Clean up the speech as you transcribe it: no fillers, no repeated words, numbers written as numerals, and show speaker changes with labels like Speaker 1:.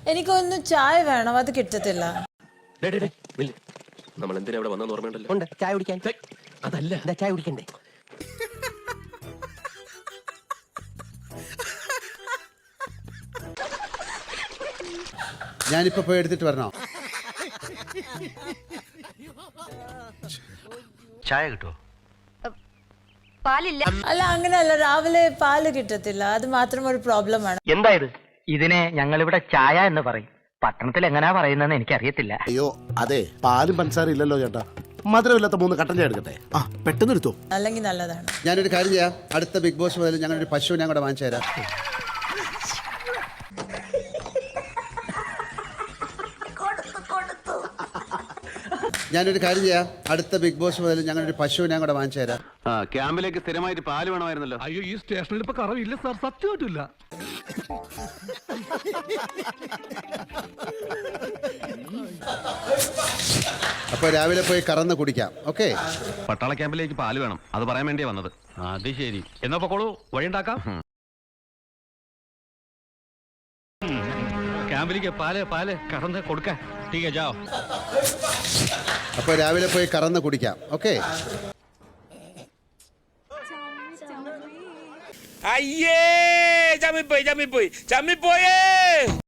Speaker 1: എനിക്കൊന്നും ചായ വേണം, അത് കിട്ടത്തില്ല.
Speaker 2: നമ്മൾ എന്തിനാ ഇവിടെ വന്നെന്ന് ഓർമ്മയുണ്ടല്ലോ.
Speaker 3: ഉണ്ട്, ചായ കുടിക്കാൻ.
Speaker 2: അതല്ല,
Speaker 3: ചായ കുടിക്കണ്ടേ?
Speaker 4: ഞാനിപ്പോ പോയി എടുത്തിട്ട് വരണോ?
Speaker 3: ചായ കിട്ടുമോ?
Speaker 5: പാലില്ല.
Speaker 1: അല്ല, അങ്ങനെയല്ല, രാവിലെ പാല് കിട്ടത്തില്ല, അത് മാത്രം ഒരു പ്രോബ്ലമാണ്.
Speaker 6: എന്തായത്? ഇതിനെ ഞങ്ങളിവിടെ ചായ എന്ന് പറയും. പട്ടണത്തിൽ എങ്ങനെയാ പറയുന്നതെന്ന് എനിക്കറിയത്തില്ല.
Speaker 7: അയ്യോ അതെ, പാലും പഞ്ചസാര ഇല്ലല്ലോ ചേട്ടാ. മധുരമില്ലാത്ത 3 കട്ടൻ ചായ എടുക്കട്ടെ. ആ പെട്ടെന്ന് എടുത്തോ.
Speaker 1: അല്ലെങ്കിൽ നല്ലതാണ്.
Speaker 4: ഞാനൊരു കാര്യം ചെയ്യാം, അടുത്ത ബിഗ് ബോസ് മുതൽ ഞങ്ങളൊരു പശുവിനെ കൂടെ വാങ്ങിച്ചു തരാം. ഞാനൊരു കാര്യം ചെയ്യാം, അടുത്ത ബിഗ് ബോസ് മുതൽ ഞങ്ങളൊരു പശുവിനെ കൂടെ വാങ്ങിച്ചു തരാം.
Speaker 2: ക്യാമ്പിലേക്ക് സ്ഥിരമായിട്ട് പാല് വേണമായിരുന്നല്ലോ.
Speaker 8: അയ്യോ, ഈ സ്റ്റേഷനിൽ ഇപ്പൊ കറവില്ല സാർ, സത്യമായിട്ടില്ല.
Speaker 4: അപ്പൊ രാവിലെ പോയി കറന്ന് കുടിക്കാം. ഓക്കെ,
Speaker 2: പട്ടാള ക്യാമ്പിലേക്ക് പാല് വേണം, അത് പറയാൻ വേണ്ടിയാ വന്നത്. അത് ശരി, എന്നാ പൊക്കോളൂ, വഴി ഉണ്ടാക്കാം. ക്യാമ്പിലേക്ക് പാല് കറന്ന് കൊടുക്കാൻ. ठीक है जाओ.
Speaker 4: അപ്പൊ രാവിലെ പോയി കറന്ന് കുടിക്കാം. ഓക്കെ.
Speaker 9: അയ്യേ, ചമ്മിപ്പോയി.